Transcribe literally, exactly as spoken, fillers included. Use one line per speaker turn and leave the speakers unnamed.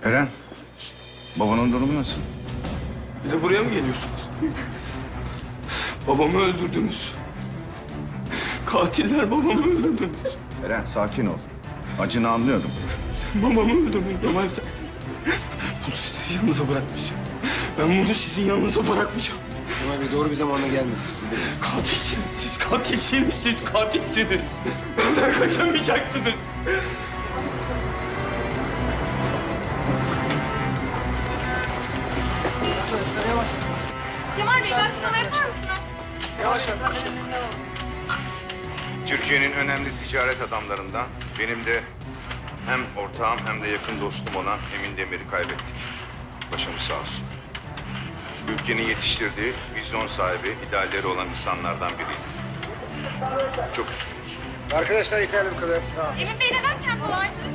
Eren, babanın durumu nasıl?
Bir de buraya mı geliyorsunuz? Babamı öldürdünüz. Katiller babamı öldürdünüz.
Eren sakin ol. Acını anlıyorum.
Sen babamı öldürdün Kemal zaten. Bunu sizin yanınıza bırakmayacağım. Ben bunu sizin yanınıza bırakmayacağım.
Kemal Bey doğru bir zamanda gelmedik.
Katilsiniz siz, katilsiniz siz, katilsiniz. Benden kaçamayacaksınız.
Kemal Bey, bir açıklama yapar mısınız?
Türkiye'nin önemli ticaret adamlarından benim de hem ortağım hem de yakın dostum olan Emin Demir'i kaybettik. Başımız sağ olsun. Ülkenin yetiştirdiği vizyon sahibi, idealleri olan insanlardan biriydi. Çok üzgünüz.
Arkadaşlar yeterli bu kadar.
Emin Bey neden kendi olaydı?